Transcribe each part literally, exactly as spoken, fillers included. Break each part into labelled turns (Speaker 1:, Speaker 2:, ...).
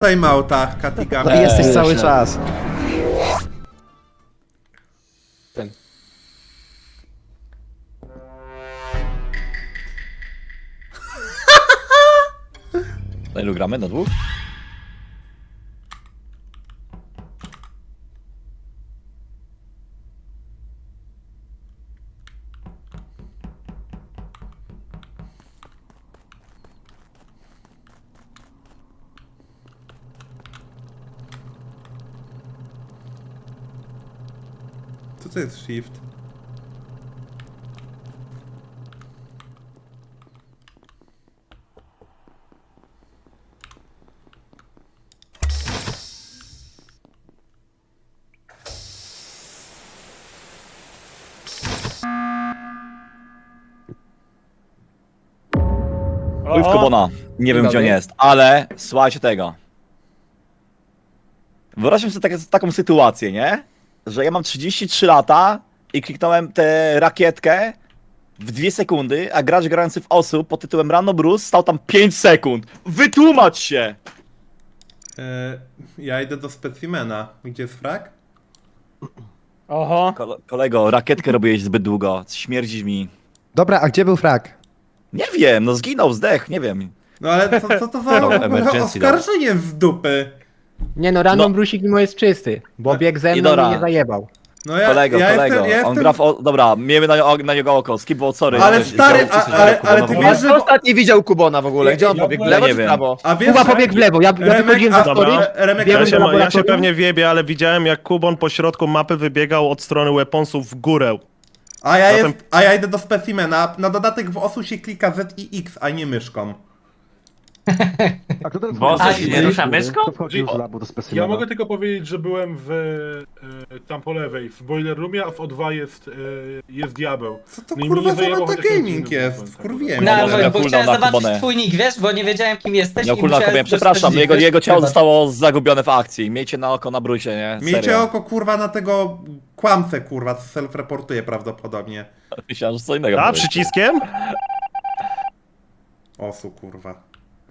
Speaker 1: timeouta, Katiga.
Speaker 2: Ty jesteś cały czas.
Speaker 3: Ten.
Speaker 4: Na ilu gramy? Na dwóch?
Speaker 1: Co to jest shift?
Speaker 4: Oj, w Kubona. Nie wiem, gdzie on jest, ale słuchajcie tego. Wyobraźmy sobie takie, taką sytuację, nie? Że ja mam trzydzieści trzy lata i kliknąłem tę rakietkę w dwie sekundy, a gracz grający w osób pod tytułem Rano Bruce stał tam pięć sekund. Wytłumacz się!
Speaker 1: E, ja idę do specimena. Gdzie jest frak?
Speaker 3: Oho.
Speaker 4: Kole kolego, rakietkę robiłeś zbyt długo, śmierdzisz mi.
Speaker 2: Dobra, a gdzie był frak?
Speaker 4: Nie wiem, no zginął, zdech, nie wiem.
Speaker 1: No ale co, co to za w ogóle
Speaker 4: emergency
Speaker 1: oskarżenie z dupy?
Speaker 3: Nie no, random
Speaker 4: No.
Speaker 3: brusik mimo jest czysty, bo biegł ze mną
Speaker 4: Idora.
Speaker 3: i mnie zajebał.
Speaker 1: No ja,
Speaker 4: Kolego,
Speaker 1: ja
Speaker 4: kolego,
Speaker 1: jestem, ja
Speaker 4: on
Speaker 1: jestem...
Speaker 4: gra w... O... Dobra, miejmy na, na niego oko, skipbo, sorry.
Speaker 1: Ale
Speaker 4: Ja-
Speaker 1: stary,
Speaker 4: ja-
Speaker 1: a, ale, ale ty wiesz, że...
Speaker 5: Ostatni widział Kubona w ogóle, gdzie on
Speaker 1: Ja-
Speaker 5: pobiegł?
Speaker 1: ja
Speaker 5: W lewo
Speaker 4: nie
Speaker 5: czy w
Speaker 4: wiem.
Speaker 5: prawo?
Speaker 1: A wiesz,
Speaker 3: Kuba
Speaker 1: że-
Speaker 3: pobiegł w lewo, ja, ja
Speaker 1: Remek,
Speaker 3: wychodziłem
Speaker 1: a-
Speaker 3: za story,
Speaker 1: dobra, Remek,
Speaker 3: biegłem
Speaker 1: ja
Speaker 3: do
Speaker 1: się
Speaker 6: Ja się
Speaker 3: laboratorium.
Speaker 6: pewnie wiebie, ale widziałem jak Kubon po środku mapy wybiegał od strony weaponsów w górę.
Speaker 1: A ja,
Speaker 6: Zatem-
Speaker 1: jest, a ja idę do specimena. Na dodatek w osu się klika Z i X, a nie myszką.
Speaker 7: A kto ten
Speaker 8: Boże,
Speaker 7: wchodzi?
Speaker 8: się nie rusza myszką?
Speaker 7: Kto wchodził z labu do specimena?
Speaker 9: Ja mogę tylko powiedzieć, że byłem w, e, tam po lewej, w boiler roomie, a w O dwa jest, e, jest diabeł.
Speaker 1: Co to
Speaker 9: No i
Speaker 1: kurwa
Speaker 9: mnie
Speaker 1: za
Speaker 9: zajęło chociaż ten
Speaker 1: metagaming
Speaker 9: film,
Speaker 1: jest?
Speaker 9: tak
Speaker 1: Wkurwiłem
Speaker 8: No,
Speaker 1: się.
Speaker 4: Może
Speaker 8: bo,
Speaker 4: na
Speaker 8: bo
Speaker 4: cooldown
Speaker 8: chciałem
Speaker 4: na
Speaker 8: zobaczyć
Speaker 4: Kubonę.
Speaker 8: twój nick, wiesz, bo nie wiedziałem kim jesteś
Speaker 4: Miał
Speaker 8: i
Speaker 4: cooldown,
Speaker 8: musiałem
Speaker 4: kopie, przepraszam,
Speaker 8: stwierdzić,
Speaker 4: jego,
Speaker 8: wiesz,
Speaker 4: jego ciało
Speaker 8: chyba.
Speaker 4: zostało zagubione w akcji. Miejcie na oko na brusie, nie?
Speaker 1: Miejcie
Speaker 4: Serio.
Speaker 1: oko kurwa na tego kłamcę kurwa, co self-reportuje prawdopodobnie.
Speaker 4: Myślałem, że co innego
Speaker 6: A,
Speaker 4: powiesz.
Speaker 6: przyciskiem?
Speaker 1: Osu kurwa.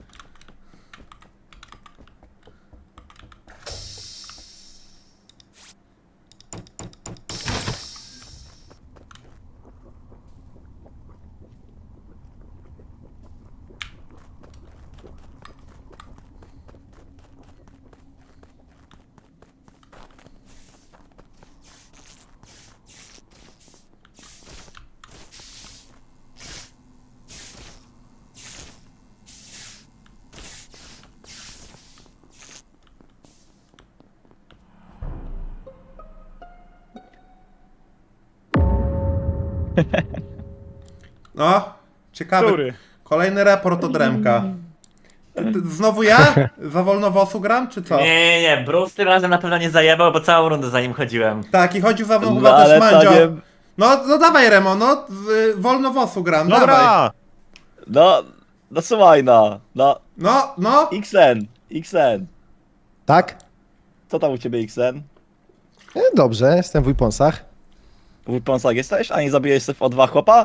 Speaker 1: No, ciekawy.
Speaker 6: Który?
Speaker 1: Kolejny raport od Remka. Ty- ty- Znowu ja? Za wolno w osu gram, czy co?
Speaker 8: Nie, nie, nie, Bruce tym razem na pewno nie zajebał, bo całą rundę za nim chodziłem.
Speaker 1: Tak, i chodził za mną
Speaker 4: No,
Speaker 1: chyba
Speaker 4: ale
Speaker 1: też
Speaker 4: to
Speaker 1: Mandzio.
Speaker 4: nie-
Speaker 1: No, no dawaj Remo, no, z, wolno w osu gram, dawaj.
Speaker 6: Dobra!
Speaker 4: No, no słuchaj, no. No,
Speaker 1: No, no.
Speaker 4: X N, X N.
Speaker 2: Tak?
Speaker 4: Co tam u ciebie, X N?
Speaker 2: E, Dobrze, jestem w Weaponsach.
Speaker 4: W Weaponsach jesteś? A nie zabijesz sobie w O dwa chłopa?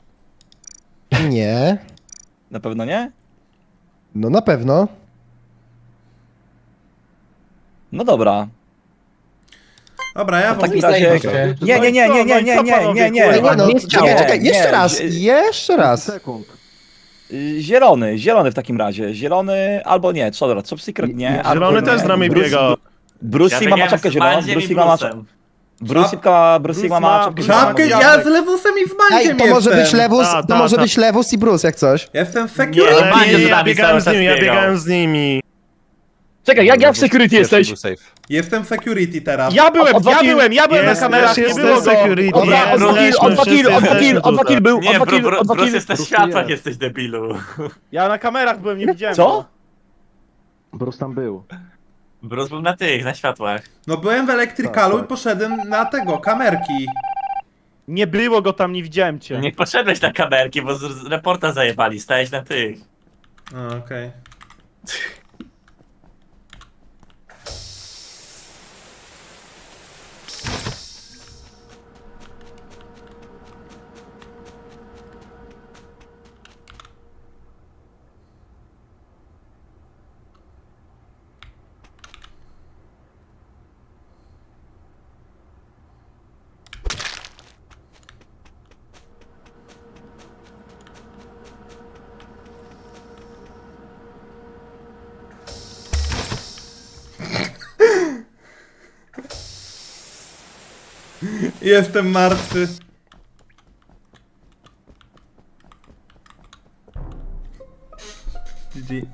Speaker 2: Nie.
Speaker 4: Na pewno nie?
Speaker 2: No na pewno.
Speaker 4: No dobra.
Speaker 1: Dobra, ja
Speaker 4: W
Speaker 1: w
Speaker 4: takim
Speaker 1: ogóle...
Speaker 4: razie...
Speaker 8: zajebiście.
Speaker 4: Nie, nie, nie, nie, nie, nie, nie, nie, nie.
Speaker 2: Ej, nie, no,
Speaker 3: nie
Speaker 2: czekaj,
Speaker 3: chciało.
Speaker 2: czekaj, jeszcze
Speaker 4: Nie,
Speaker 2: raz,
Speaker 4: zie-
Speaker 2: jeszcze raz.
Speaker 7: sekund.
Speaker 4: Y, Zielony, zielony w takim razie. Zielony albo nie, co dobra, Top Secret nie. albo
Speaker 6: Zielony
Speaker 4: nie.
Speaker 6: też z nami
Speaker 4: Bruce-
Speaker 6: biega.
Speaker 4: Bruce
Speaker 8: Ja
Speaker 4: Sigma ma
Speaker 8: biegałem
Speaker 4: czapkę
Speaker 8: z
Speaker 4: zieloną,
Speaker 8: Mandziem
Speaker 4: Bruce
Speaker 8: i
Speaker 4: Sigma ma
Speaker 8: Bruce'em.
Speaker 4: czapkę. Bruce Sigma, Bruce Sigma ma
Speaker 6: ma-
Speaker 4: czapkę
Speaker 1: Czapkę,
Speaker 4: zieloną.
Speaker 1: ja z Lewusem i z Mandziem
Speaker 2: Ej, to może
Speaker 1: jestem.
Speaker 2: być Lewus,
Speaker 6: Ta,
Speaker 2: to
Speaker 6: ta,
Speaker 2: może
Speaker 6: ta.
Speaker 2: być Lewus i Bruce, jak coś.
Speaker 1: Jestem w
Speaker 8: Nie,
Speaker 1: security.
Speaker 6: Ale
Speaker 8: Mandzio
Speaker 6: nie,
Speaker 8: z
Speaker 6: ja
Speaker 8: nami
Speaker 6: biegałem
Speaker 8: cały
Speaker 6: z
Speaker 8: czas
Speaker 6: nimi, ja
Speaker 8: biegał.
Speaker 6: biegałem z nimi.
Speaker 4: Czekaj, jak, jak w security jesteś?
Speaker 1: Jestem w security teraz.
Speaker 5: Ja byłem,
Speaker 4: Od- od
Speaker 5: ja
Speaker 4: Wakil-
Speaker 5: byłem, ja byłem
Speaker 6: Jest,
Speaker 5: na kamerach,
Speaker 6: jest,
Speaker 5: nie
Speaker 6: jest
Speaker 5: było go.
Speaker 6: security.
Speaker 4: Od
Speaker 6: Nie,
Speaker 4: od
Speaker 6: no,
Speaker 4: wakil,
Speaker 6: jesteśmy
Speaker 4: od wakil,
Speaker 6: wszyscy,
Speaker 4: od wakil,
Speaker 6: jesteśmy
Speaker 4: od wakil
Speaker 6: tutaj.
Speaker 4: był,
Speaker 8: Nie,
Speaker 4: od
Speaker 8: Bru,
Speaker 4: wakil,
Speaker 8: Bru,
Speaker 4: od
Speaker 8: Bruce
Speaker 4: wakil...
Speaker 8: jest na światłach, jesteś debilu.
Speaker 5: Ja na kamerach byłem, nie widziałem
Speaker 4: Co?
Speaker 5: go.
Speaker 7: Bruce tam był.
Speaker 8: Bruce był na tych, na światłach.
Speaker 1: No byłem w elektrykalu
Speaker 7: Tak,
Speaker 1: i
Speaker 7: tak.
Speaker 1: poszedłem na tego, kamerki.
Speaker 5: Nie było go tam, nie widziałem cię.
Speaker 8: Nie poszedłeś na kamerki, bo z z reporta zajebali, stałeś na tych.
Speaker 1: A, okej. Jestem martwy. G G.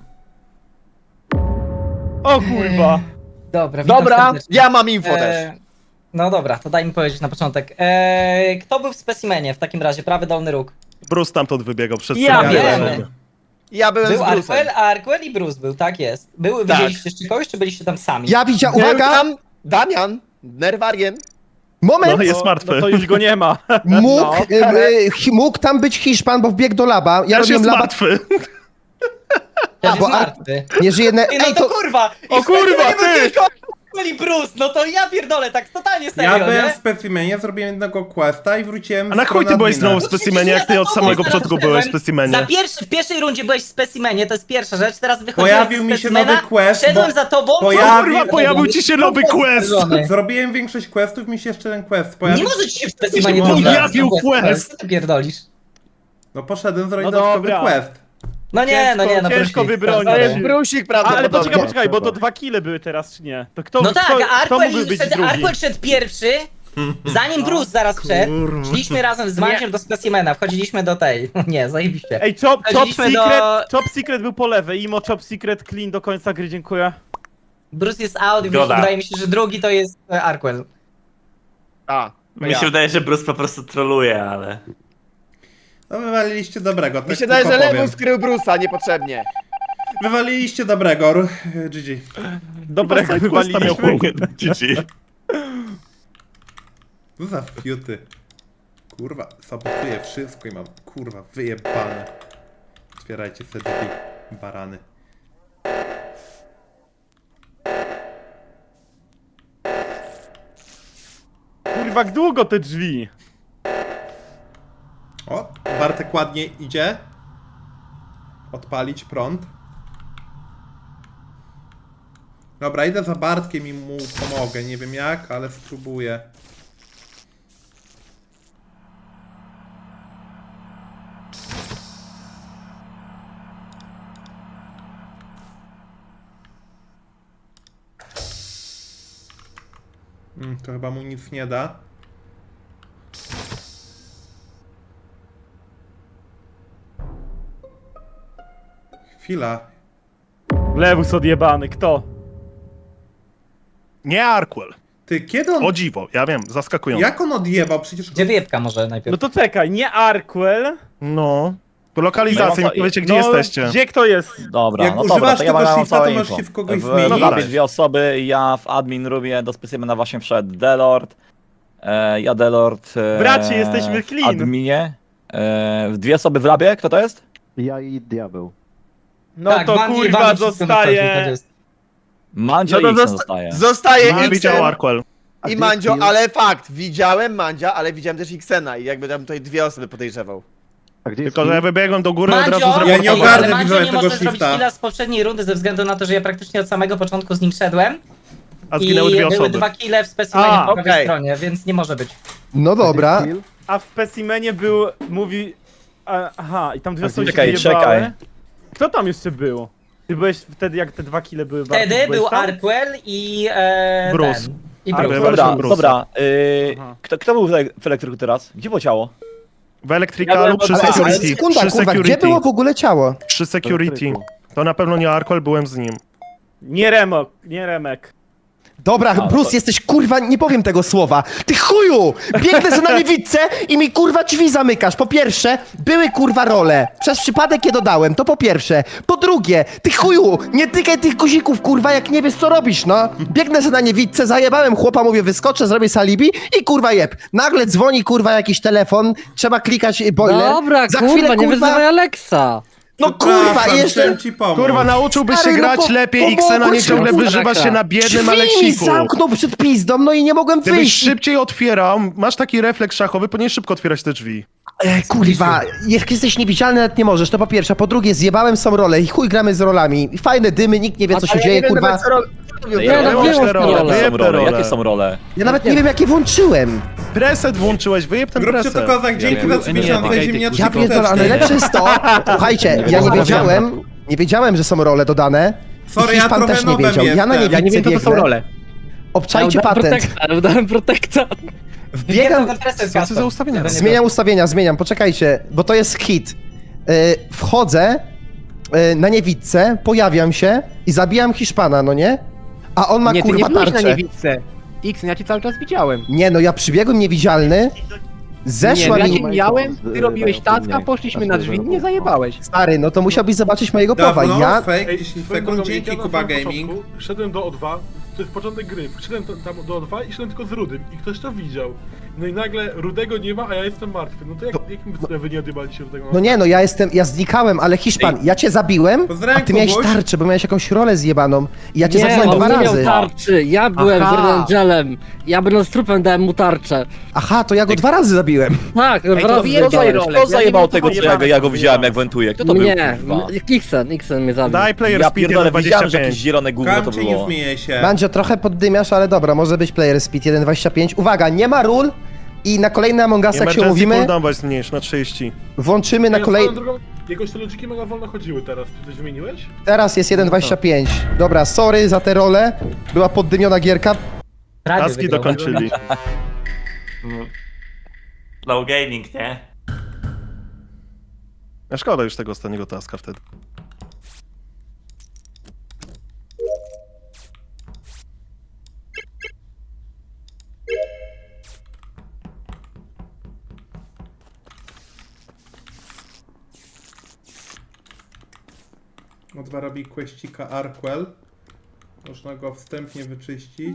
Speaker 5: O kurwa.
Speaker 10: Dobra, witam
Speaker 5: Dobra,
Speaker 10: serdecznie.
Speaker 5: ja mam info
Speaker 10: E,
Speaker 5: też.
Speaker 10: No dobra, to daj mi powiedzieć na początek. E, kto był w specimenie w takim razie? Prawy dolny róg.
Speaker 6: Bruce stamtąd wybiegał przez
Speaker 5: Ja
Speaker 6: cegiełę.
Speaker 10: wiem.
Speaker 5: Ja byłem
Speaker 10: Był
Speaker 5: z Bruce'em.
Speaker 10: Arquel, Arquel i Bruce był, tak jest. Był,
Speaker 5: Tak.
Speaker 10: widzieliście jeszcze kogoś, czy byliście tam sami?
Speaker 2: Ja widziałem,
Speaker 5: Był
Speaker 2: uwaga,
Speaker 5: tam Damian, Nerwarien.
Speaker 2: moment,
Speaker 6: No jest martwy.
Speaker 5: No to już go nie ma.
Speaker 2: mógł,
Speaker 5: No.
Speaker 2: e, e, hi- mógł tam być Hiszpan, bo wbiegł do laba. Ja
Speaker 6: Też
Speaker 2: robiłem
Speaker 6: jest
Speaker 2: laba,
Speaker 6: martwy.
Speaker 10: Ja
Speaker 2: bo
Speaker 10: jest
Speaker 2: Ar-
Speaker 10: martwy.
Speaker 2: nie żyje... Ne-
Speaker 10: Ej, no
Speaker 2: Ej,
Speaker 10: to
Speaker 2: to...
Speaker 10: kurwa! I
Speaker 5: O
Speaker 10: w
Speaker 5: kurwa,
Speaker 10: specimenie był
Speaker 5: ty!
Speaker 10: tylko Arquel i Bruce, no to ja pierdolę, tak totalnie serio,
Speaker 1: Ja byłem
Speaker 10: nie?
Speaker 1: w specimenie, zrobiłem jednego questa i wróciłem
Speaker 6: A na
Speaker 1: w
Speaker 6: chuj ty
Speaker 1: stronę
Speaker 6: byłeś
Speaker 1: admina.
Speaker 6: znowu w specimenie, jak ty od samego początku byłeś w
Speaker 10: Za
Speaker 6: specimenie?
Speaker 10: pierwszy, w pierwszej rundzie byłeś w specimenie, to jest pierwsza rzecz, teraz wychodziłem
Speaker 1: Pojawił
Speaker 10: z
Speaker 1: mi się
Speaker 10: specimena,
Speaker 1: nowy quest,
Speaker 10: szedłem
Speaker 1: bo
Speaker 10: za tobą,
Speaker 1: pojawił-
Speaker 6: Kurwa, pojawił ci się nowy quest!
Speaker 1: Zrobiłem większość questów, mi się jeszcze ten quest
Speaker 10: Nie
Speaker 1: pojawił.
Speaker 10: może ci się w specimenie
Speaker 6: Pojawił quest.
Speaker 10: Co ty pierdolisz?
Speaker 1: No poszedłem zrobić
Speaker 5: No
Speaker 1: dodatkowy
Speaker 5: dobra.
Speaker 1: quest.
Speaker 10: No nie, no nie, no
Speaker 5: Ciężko
Speaker 10: prosik,
Speaker 5: wybronić.
Speaker 10: sorry.
Speaker 5: To jest
Speaker 7: Brusik,
Speaker 5: A,
Speaker 7: prawda?
Speaker 5: ale poczekaj, poczekaj, bo to dwa kile były teraz, czy nie? To kto,
Speaker 10: No
Speaker 5: kto,
Speaker 10: tak,
Speaker 5: kto
Speaker 10: Arquel
Speaker 5: mógłby być
Speaker 10: szedł,
Speaker 5: drugi?
Speaker 10: Arquel szedł pierwszy, zanim Bruce zaraz wszedł. Szliśmy razem z Manciem do specimena, wchodziliśmy do tej. Nie, zajebiście.
Speaker 5: Ej, Chop, Chop
Speaker 10: Chodziliśmy do-
Speaker 5: Secret, Chop Secret był po lewej, Imo Chop Secret clean do końca gry, dziękuję.
Speaker 10: Bruce jest out i
Speaker 8: Zgoda.
Speaker 10: wydaje mi się, że drugi to jest e, Arquel.
Speaker 5: A,
Speaker 8: Mi się wydaje, że Bruce po prostu troluje, ale...
Speaker 1: No wywaliliście dobrego, tak
Speaker 7: Mi się wydaje,
Speaker 1: tylko
Speaker 7: że
Speaker 1: powiem.
Speaker 7: Lewus skrył Bruce'a niepotrzebnie.
Speaker 1: Wywaliliście dobrego, Ru- G G.
Speaker 5: dobrego
Speaker 6: Questa
Speaker 5: wywaliliśmy.
Speaker 6: miał chuj.
Speaker 8: G G.
Speaker 1: Co za fiuty. Kurwa, sabotuję wszystko i mam, kurwa, wyjebane. Otwierajcie sobie drzwi, barany.
Speaker 5: Kurwa, jak długo te drzwi?
Speaker 1: O, Bartek ładnie idzie. Odpalić prąd. Dobra, idę za Bartkiem i mu pomogę. Nie wiem jak, ale spróbuję. Mm, to chyba mu nic nie da. Chwila.
Speaker 5: Lewus odjebany, kto?
Speaker 6: Nie Arquel.
Speaker 1: Ty, kiedy on...
Speaker 6: O dziwo, ja wiem, zaskakujące.
Speaker 1: Jak on odjebał? Przecież...
Speaker 10: Gdzie wyjebka może najpierw?
Speaker 5: No to czekaj, nie Arquel.
Speaker 6: No. To lokalizacja,
Speaker 4: No,
Speaker 6: mi powiecie gdzie
Speaker 5: no,
Speaker 6: jesteście.
Speaker 5: Gdzie kto jest?
Speaker 4: Dobra,
Speaker 1: Jak
Speaker 4: no
Speaker 1: używasz
Speaker 4: dobra, to ja
Speaker 1: tego
Speaker 4: mam
Speaker 1: shifta,
Speaker 4: całe
Speaker 1: to możesz
Speaker 4: info.
Speaker 1: się w kogoś
Speaker 4: w
Speaker 1: zmienić.
Speaker 6: No
Speaker 4: labie
Speaker 6: dawaj.
Speaker 4: dwie osoby, ja w admin roomie do specimena właśnie wszedł Delord. E, ja Delord. E,
Speaker 5: Bracie, jesteśmy clean.
Speaker 4: W adminie. E, dwie osoby w labie, kto to jest?
Speaker 7: Ja i Diabeł.
Speaker 5: No
Speaker 10: Tak,
Speaker 5: to
Speaker 10: Wandy-
Speaker 5: kurwa
Speaker 10: Wandy wszystko na czasie, tak
Speaker 5: zostaje.
Speaker 10: jest.
Speaker 4: Mandzio
Speaker 5: No to
Speaker 4: i X
Speaker 5: zosta-
Speaker 4: zostaje.
Speaker 11: Zostaje
Speaker 6: No, widział
Speaker 11: Xen
Speaker 6: Arquel.
Speaker 7: A
Speaker 11: i
Speaker 7: ty,
Speaker 11: Mandzio,
Speaker 7: Kill?
Speaker 11: ale fakt, widziałem Mandzia, ale widziałem też Xena i jakby tam tutaj dwie osoby podejrzewał.
Speaker 7: A gdzie jest
Speaker 6: Tylko, że ja
Speaker 7: Kill?
Speaker 6: wybiegłem do góry od razu
Speaker 10: Mandzio,
Speaker 6: zrobiłem.
Speaker 1: Ja nie
Speaker 10: ej,
Speaker 1: ogarnę
Speaker 10: ale Mandzio
Speaker 1: widzowie
Speaker 10: nie
Speaker 1: tego
Speaker 10: może zrobić
Speaker 1: shifta.
Speaker 10: killa z poprzedniej rundy ze względu na to, że ja praktycznie od samego początku z nim szedłem.
Speaker 6: A zginęły
Speaker 10: I
Speaker 6: dwie
Speaker 10: były
Speaker 6: osoby.
Speaker 10: dwa kille w specimenie
Speaker 5: A,
Speaker 10: po prawej
Speaker 11: okej.
Speaker 10: stronie, więc nie może być.
Speaker 2: No dobra.
Speaker 7: Kill?
Speaker 5: A w specimenie był, mówi... a- Aha, i tam dwie
Speaker 7: A
Speaker 5: osoby się
Speaker 4: czekaj,
Speaker 5: wyjebały.
Speaker 4: czekaj.
Speaker 5: Kto tam jeszcze był? Ty byłeś wtedy, jak te dwa kile były
Speaker 10: Wtedy
Speaker 5: Bartek, byłeś
Speaker 10: był
Speaker 5: tam?
Speaker 10: Arquel i e,
Speaker 6: Bruce.
Speaker 10: ten. I
Speaker 5: Ale
Speaker 10: Bruce.
Speaker 6: Byłem
Speaker 4: Dobra,
Speaker 6: Bruce'a.
Speaker 4: dobra. Y,
Speaker 5: Aha.
Speaker 4: kto, kto był w ele- w elektryku teraz? Gdzie było ciało?
Speaker 6: W Electricalu przy
Speaker 2: Ale
Speaker 6: security.
Speaker 2: sekunda,
Speaker 6: Przy
Speaker 2: kurwa, gdzie
Speaker 6: security.
Speaker 2: było w ogóle ciało?
Speaker 6: Przy security. To na pewno nie Arquel, byłem z nim.
Speaker 5: Nie Remok, nie Remek.
Speaker 2: Dobra,
Speaker 4: Ale
Speaker 2: Bruce,
Speaker 4: to-
Speaker 2: jesteś kurwa, nie powiem tego słowa. Ty chuju! Biegnę za nami widzę i mi kurwa drzwi zamykasz. Po pierwsze, były kurwa role. Przez przypadek je dodałem, to po pierwsze. Po drugie, ty chuju, nie tykaj tych guzików kurwa, jak nie wiesz co robisz, no. Biegnę za na niewidce, zajebałem chłopa, mówię wyskoczę, zrobię salibi i kurwa jeb. Nagle dzwoni kurwa jakiś telefon, trzeba klikać y, boiler.
Speaker 3: Dobra,
Speaker 2: za
Speaker 3: kurwa,
Speaker 2: chwilę
Speaker 3: nie
Speaker 2: kurwa...
Speaker 3: wyzywaj Alexa.
Speaker 2: No kurwa,
Speaker 1: Przepraszam,
Speaker 2: jeszcze...
Speaker 1: chciałem ci pomóc.
Speaker 6: Kurwa, nauczyłbyś się
Speaker 2: Stary, no
Speaker 6: grać
Speaker 2: po-
Speaker 6: lepiej
Speaker 2: po
Speaker 6: Xena, nie
Speaker 2: boku
Speaker 6: ciągle
Speaker 2: się
Speaker 6: wyżywasz się na
Speaker 2: Drzwi
Speaker 6: biednym
Speaker 2: mi
Speaker 6: Aleksiku.
Speaker 2: zamknął przed pizdą, no i nie mogłem
Speaker 6: Gdybyś
Speaker 2: wyjść.
Speaker 6: szybciej otwierał, masz taki refleks szachowy, powinieneś szybko otwierać te drzwi.
Speaker 2: E, kurwa, jak jesteś niewidzialny, nawet nie możesz, to po pierwsze. Po drugie, zjebałem są role i chuj gramy z rolami. Fajne dymy, nikt nie wie co się dzieje, kurwa.
Speaker 4: Ja
Speaker 3: Nie, no,
Speaker 4: jakie
Speaker 3: wyłącz
Speaker 4: są
Speaker 3: te
Speaker 4: role?
Speaker 3: role.
Speaker 4: Jakie są role?
Speaker 6: Role.
Speaker 4: Jakie są role?
Speaker 2: Ja nawet nie wiem jakie włączyłem.
Speaker 6: Preset włączyłeś, wyjeb ten
Speaker 1: Róbcie to
Speaker 6: preset.
Speaker 1: kozak, dzięki
Speaker 4: wiem.
Speaker 1: za trzy miesiące ziemniaczki
Speaker 2: Ja pierdolę, ale
Speaker 1: kosteczki.
Speaker 2: lepsze jest to, słuchajcie, ja nie wiedziałem, nie wiedziałem, że są role dodane.
Speaker 1: Sorry,
Speaker 2: I
Speaker 1: ja
Speaker 2: Hiszpan
Speaker 1: trochę
Speaker 2: też nie
Speaker 1: nobem
Speaker 2: wiedział. Ja na
Speaker 1: jestem.
Speaker 2: niewidce
Speaker 3: Ja nie wiem, co to są
Speaker 2: biegnę.
Speaker 3: role.
Speaker 2: Obczajcie
Speaker 3: Ja udałem
Speaker 2: patent.
Speaker 3: protekta, udałem protekta.
Speaker 2: Wbiegam,
Speaker 10: Co to za ustawienia?
Speaker 2: zmieniam ustawienia, zmieniam, poczekajcie, bo to jest hit. Yy, wchodzę yy, na niewidce, pojawiam się i zabijam Hiszpana, no nie? A on ma
Speaker 3: Nie, ty nie
Speaker 2: kurwa
Speaker 3: byłeś na
Speaker 2: tarczę.
Speaker 3: niewidce. X, ja cię cały czas widziałem.
Speaker 2: Nie no, ja przybiegłem niewidzialny, zeszła
Speaker 3: nie, ja
Speaker 2: mi...
Speaker 3: cię mijałem, ty robiłeś tacka, poszliśmy na drzwi, nie zajebałeś.
Speaker 2: Stary, no to musiałbyś zobaczyć mojego powa.
Speaker 1: Dawno,
Speaker 2: Ja...
Speaker 1: fake,
Speaker 9: Ej,
Speaker 1: dziesięć
Speaker 9: swoją
Speaker 1: sekund,
Speaker 9: drogą,
Speaker 1: dzięki
Speaker 9: ja na
Speaker 1: Kuba
Speaker 9: samym
Speaker 1: Gaming.
Speaker 9: początku Szedłem do O dwa, to jest początek gry, szedłem tam- tam do O dwa i szedłem tylko z Rudym i ktoś to widział. No i nagle Rudego nie ma, a ja jestem martwy. No to jak, jakim no, wy nie odjebaliście Rudego?
Speaker 2: No nie no, ja jestem, ja znikałem, ale Hiszpan, ja cię zabiłem, a
Speaker 1: Pozdrawiam,
Speaker 2: ty miałeś
Speaker 1: Kubuś.
Speaker 2: tarczę, bo miałeś jakąś rolę zjebaną. I ja cię
Speaker 12: Nie,
Speaker 2: zabiłem
Speaker 12: on
Speaker 2: dwa
Speaker 12: nie miał
Speaker 2: razy.
Speaker 12: tarczy, ja byłem
Speaker 3: Aha.
Speaker 12: Green Angelem. Ja będąc trupem dałem mu tarczę.
Speaker 2: Aha, to ja go dwa razy zabiłem.
Speaker 12: Tak,
Speaker 4: Ej,
Speaker 12: dwa
Speaker 4: to
Speaker 12: razy
Speaker 4: kto,
Speaker 12: zajebałeś.
Speaker 4: zajebał, kto zajebał tego, co ja, go- ja go widziałem, jak wentuje? Kto to był,
Speaker 12: Nie,
Speaker 4: kurwa?
Speaker 12: Xen, Xen mnie zabił.
Speaker 6: Daj player
Speaker 4: Ja
Speaker 6: speed
Speaker 4: pierdolę, widziałem, że
Speaker 6: dwadzieścia
Speaker 4: jakieś
Speaker 6: pięć.
Speaker 4: zielone gówno to
Speaker 1: Kamcie, nie
Speaker 4: było.
Speaker 1: zmieniaj się.
Speaker 2: Mandzio, trochę poddymiasz, ale dobra, może być player speed jeden dwadzieścia pięć. Uwaga, nie ma ról i na kolejny Among Us, jak się
Speaker 6: Emergency
Speaker 2: umówimy,
Speaker 6: cooldown weź zmniejsz na trzydzieści.
Speaker 2: włączymy na
Speaker 9: Ej,
Speaker 2: kolej...
Speaker 9: swoją drogą, Jakoś te ludziki mega wolno chodziły teraz. Czy coś zmieniłeś?
Speaker 2: Teraz jest jeden dwadzieścia pięć. Dobra, sorry za tę rolę. Była poddymiona gierka.
Speaker 10: Radio
Speaker 6: Taski
Speaker 10: wygrał.
Speaker 6: dokończyli.
Speaker 8: Low gaming, nie?
Speaker 6: A szkoda już tego ostatniego taska wtedy.
Speaker 1: O dwa robi questika Arkwell. Można go wstępnie wyczyścić.